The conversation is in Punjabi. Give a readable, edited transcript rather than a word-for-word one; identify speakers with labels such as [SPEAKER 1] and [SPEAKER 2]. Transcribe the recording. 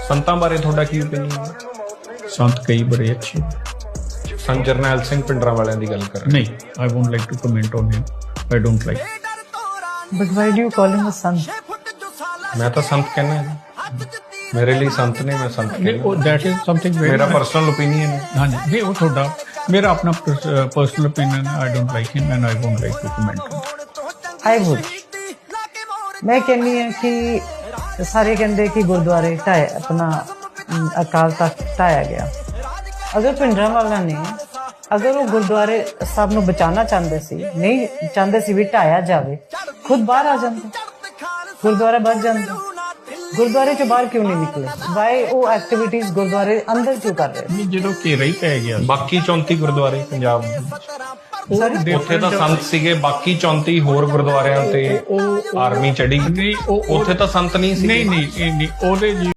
[SPEAKER 1] ਸੰਤਾਂ ਬਾਰੇ ਤੁਹਾਡਾ ਕੀ ਓਪੀਨੀਅਨ ਹੈ?
[SPEAKER 2] ਸੰਤ ਕਈ ਬੜੇ ਅੱਛੇ।
[SPEAKER 1] ਸੰਤ ਜਰਨੈਲ ਸਿੰਘ ਪਿੰਡਰਾਂ ਵਾਲਿਆਂ ਦੀ ਗੱਲ ਕਰ ਰਹੇ
[SPEAKER 2] ਨਹੀਂ, I won't like to comment on him. I don't like.
[SPEAKER 3] But why do you call him a son?
[SPEAKER 1] ਮੈਂ ਤਾਂ ਸੰਤ ਕਹਿੰਦਾ ਜੀ, ਮੇਰੇ ਲਈ ਸੰਤ ਨੇ, ਮੈਂ ਸੰਤ
[SPEAKER 2] ਨਹੀਂ,
[SPEAKER 1] ਕਹਿੰਦਾ।
[SPEAKER 2] that is something very.
[SPEAKER 1] ਮੇਰਾ ਪਰਸਨਲ ਓਪੀਨੀਅਨ ਹੈ।
[SPEAKER 2] ਹਾਂਜੀ, ਨਹੀਂ ਉਹ ਤੁਹਾਡਾ, ਮੇਰਾ ਆਪਣਾ ਪਰਸਨਲ opinion ਹੈ। I don't like him and I won't like to comment on it.
[SPEAKER 3] I would. ਮੈਂ ਕਹਿੰਦੀ ਹਾਂ ਕਿ ਸਾਰੇ ਕਹਿੰਦੇ ਕਿ ਗੁਰਦੁਆਰੇ ਢਾਏ ਆਪਣਾ ਅਕਾਲ ਤਖਤ ਢਾਇਆ ਗਿਆ। ਅਗਰ ਭਿੰਡਰਾਂ ਵਾਲਿਆਂ ਨੇ ਅਗਰ ਉਹ ਗੁਰਦੁਆਰੇ ਸਾਹਿਬ ਨੂੰ ਬਚਾਉਣਾ ਚਾਹੁੰਦੇ ਸੀ, ਨਹੀਂ ਚਾਹੁੰਦੇ ਸੀ ਵੀ ਢਾਇਆ ਜਾਵੇ, ਖੁਦ ਬਾਹਰ ਆ ਜਾਂਦੇ, ਗੁਰਦੁਆਰਾ ਬਚ ਜਾਂਦਾ। ਗੁਰਦੁਆਰੇ ਚੋਂ ਬਾਹਰ ਕਿਉਂ ਨਹੀਂ ਨਿਕਲੇ? ਵਾਈ ਉਹ ਐਕਟੀਵਿਟੀਜ਼ ਗੁਰਦੁਆਰੇ ਅੰਦਰ ਕਿਉਂ ਕਰ ਰਹੇ?
[SPEAKER 2] ਨਹੀਂ, ਜਦੋਂ ਘੇਰਾ ਹੀ ਪੈ ਗਿਆ
[SPEAKER 1] ਬਾਕੀ 34 ਗੁਰਦੁਆਰੇ ਪੰਜਾਬ ਦੇ ਉੱਥੇ ਤਾਂ ਸੰਤ ਸੀਗੇ, ਬਾਕੀ 34 ਹੋਰ ਗੁਰਦੁਆਰਿਆਂ ਤੇ ਆਰਮੀ ਚੜੀ,
[SPEAKER 2] ਨਹੀਂ,
[SPEAKER 1] ਉੱਥੇ ਤਾਂ ਸੰਤ ਨਹੀਂ ਸੀ।
[SPEAKER 2] ਨਹੀਂ, ਉਹਦੇ